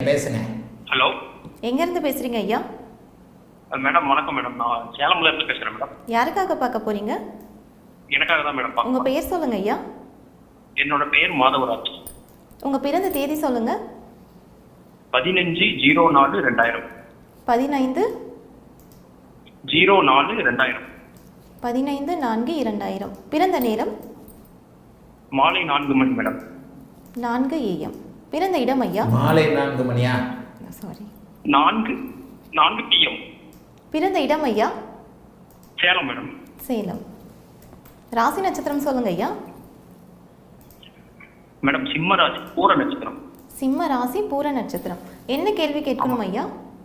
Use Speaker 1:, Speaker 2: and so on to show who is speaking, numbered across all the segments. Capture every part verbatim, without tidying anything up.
Speaker 1: பேசுங்க.
Speaker 2: ஹலோ,
Speaker 3: எங்க இருந்து பேசுறீங்க ஐயா?
Speaker 2: மேடம் வணக்கம் மேடம். நான் சேலம்ல இருந்து பேசுறேன் மேடம்.
Speaker 3: யாருக்காக பார்க்க போறீங்க?
Speaker 2: எனக்காக தான் மேடம்
Speaker 3: உங்க
Speaker 2: பார்க்கணும்.
Speaker 3: பெயர் சொல்லுங்க ஐயா.
Speaker 2: என்னோட பெயர் மாதவராஜ்.
Speaker 3: உங்க பிறந்த தேதி சொல்லுங்க.
Speaker 2: பதினஞ்சு ஜீரோ நாலு ரெண்டாயிரம்.
Speaker 3: பதினைந்து
Speaker 2: ஜீரோ நாலு ரெண்டாயிரம்.
Speaker 3: பதினைந்து நான்கு இரண்டாயிரம். பிறந்த நேரம்
Speaker 2: மாலை நான்கு மணி மேடம்.
Speaker 3: நான்கு ஏஎம். பிறந்த இடம் ஐயா?
Speaker 1: மாலை நான்கு மணியா?
Speaker 3: சாரி,
Speaker 2: நான்கு நான்கு பிஎம்.
Speaker 3: பிறந்த இடம் ஐயா?
Speaker 2: சேலம் மேடம்.
Speaker 3: சேலம். ராசி நட்சத்திரம் சொல்லுங்க ஐயா.
Speaker 2: மேடம் சிம்மராசி பூர நட்சத்திரம்.
Speaker 3: சிம்ம ராசி பூர நட்சத்திரம். என்ன கேள்வி கேட்கணும் ஐயா?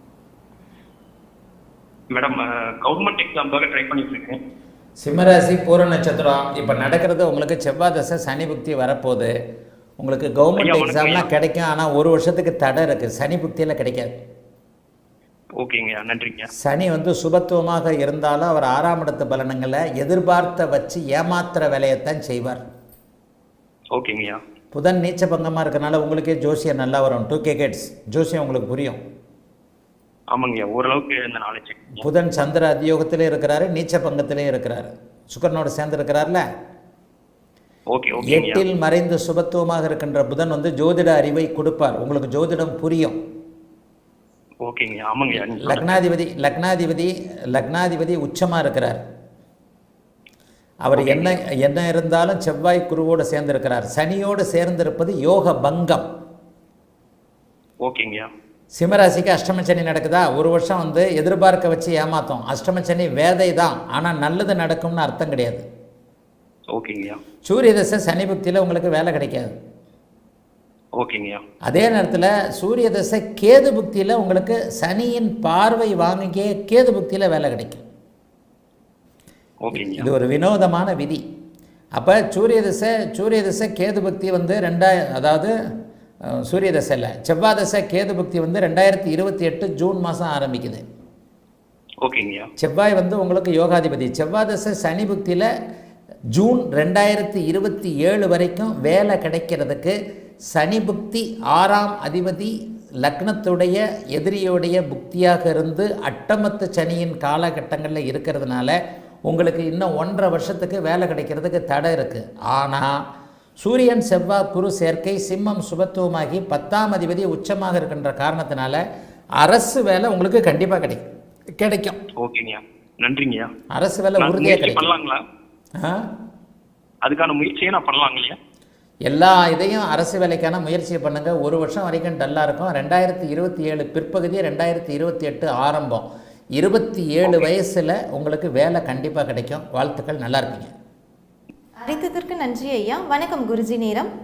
Speaker 2: மேடம் கவர்மெண்ட் எக்ஸாம்காக ட்ரை பண்ணிட்டு இருக்கேன்.
Speaker 1: சிம்மராசி பூர நட்சத்திரம். இப்போ நடக்கிறது உங்களுக்கு செவ்வாய் தசை சனி புக்தி வரப்போகுது. உங்களுக்கு கவர்மெண்ட் எக்ஸாம்லாம் கிடைக்கும், ஆனால் ஒரு வருஷத்துக்கு தடை இருக்குது. சனி புக்தியில் கிடைக்காது.
Speaker 2: ஓகேங்க, நன்றிங்க.
Speaker 1: சனி வந்து சுபத்துவமாக இருந்தாலும் அவர் ஆறாம் இடத்து பலனங்களை எதிர்பார்த்த வச்சு ஏமாத்துற வேலையைத்தான் செய்வார்.
Speaker 2: ஓகேங்கய்யா.
Speaker 1: புதன் நீச்ச பங்கமாக இருக்கனால உங்களுக்கே ஜோசியம் நல்லா வரும். டூ கே கேட்ஸ் ஜோசியம் உங்களுக்கு புரியும்.
Speaker 2: ஆமாங்கய்யா, ஓரளவுக்கு இந்த நாலேஜ்.
Speaker 1: புதன் சந்திர அதியோகத்திலே இருக்கிறாரு, நீச்ச பங்கத்திலே இருக்கிறாரு, சுக்கரனோடு சேர்ந்து இருக்கிறார்ல.
Speaker 2: Okay okay.
Speaker 1: எட்டில் மறைந்து சுபத்துவமாக இருக்கின்ற புதன் வந்து ஜோதிட அறிவை கொடுப்பார். உங்களுக்கு ஜோதிடம் புரியும்.
Speaker 2: ஓகேங்க, ஆமாங்கய்யா.
Speaker 1: லக்னாதிபதி லக்னாதிபதி லக்னாதிபதி உச்சமாக இருக்கிறார். அவர் என்ன என்ன இருந்தாலும் செவ்வாய் குருவோடு சேர்ந்திருக்கிறார். சனியோடு சேர்ந்திருப்பது யோக பங்கம்.
Speaker 2: ஓகேங்கய்யா.
Speaker 1: சிம்மராசிக்கு அஷ்டமச்சனி நடக்குதா? ஒரு வருஷம் வந்து எதிர்பார்க்க வச்சு ஏமாத்தோம். அஷ்டமச்சனி வேதை தான், ஆனால் நல்லது நடக்கும்னு அர்த்தம் கிடையாது.
Speaker 2: ஓகேங்கய்யா.
Speaker 1: சூரிய தசை சனி புக்தியில் உங்களுக்கு வேலை கிடைக்காது.
Speaker 2: ஓகேங்கய்யா.
Speaker 1: அதே நேரத்தில் சூரிய தசை கேது புக்தியில் உங்களுக்கு சனியின் பார்வை வாங்கியே கேது புக்தியில் வேலை கிடைக்கும். இது ஒரு வினோதமான விதி. அப்போ சூரிய தசை சூரிய தசை கேது பக்தி வந்து ரெண்டாயிரம் அதாவது சூரிய தசை இல்லை செவ்வாய் தசை கேது பக்தி வந்து ரெண்டாயிரத்தி இருபத்தி எட்டு ஜூன் மாதம் ஆரம்பிக்குது.
Speaker 2: ஓகேங்கய்யா.
Speaker 1: செவ்வாய் வந்து உங்களுக்கு யோகாதிபதி. செவ்வாய் தசை சனி புக்தியில் ஜூன் ரெண்டாயிரத்தி இருபத்தி ஏழு வரைக்கும் வேலை கிடைக்கிறதுக்கு சனி புக்தி ஆறாம் அதிபதி லக்னத்துடைய எதிரியோடைய புக்தியாக இருந்து அட்டமத்து சனியின் காலகட்டங்களில் இருக்கிறதுனால உங்களுக்கு இன்னும் ஒன்றரை வருஷத்துக்கு வேலை கிடைக்கிறதுக்கு தடை இருக்குது. ஆனால் சூரியன் செவ்வாய் குரு சேர்க்கை சிம்மம் சுபத்துவமாகி பத்தாம் அதிபதி உச்சமாக இருக்கின்ற காரணத்தினால அரசு வேலை உங்களுக்கு கண்டிப்பாக கிடைக்கும் கிடைக்கும்
Speaker 2: ஓகேங்கய்யா, நன்றிங்கய்யா.
Speaker 1: அரசு வேலை உறுதியாக கிடைக்கும்.
Speaker 2: அதுக்கான முயற்சியை நான் பண்ணலாங்கய்யா.
Speaker 1: எல்லா இதையும் அரசு வேலைக்கான முயற்சியை பண்ணுங்கள். ஒரு வருஷம் வரைக்கும் டல்லாக இருக்கும். ரெண்டாயிரத்தி இருபத்தி ஏழு பிற்பகுதி ரெண்டாயிரத்தி இருபத்தி எட்டு ஆரம்பம். இருபத்தி ஏழு வயசில் உங்களுக்கு வேலை கண்டிப்பாக கிடைக்கும். வாழ்த்துக்கள், நல்லா இருப்பீங்க.
Speaker 3: அழைத்ததற்கு நன்றி ஐயா. வணக்கம் குருஜி. நேரம்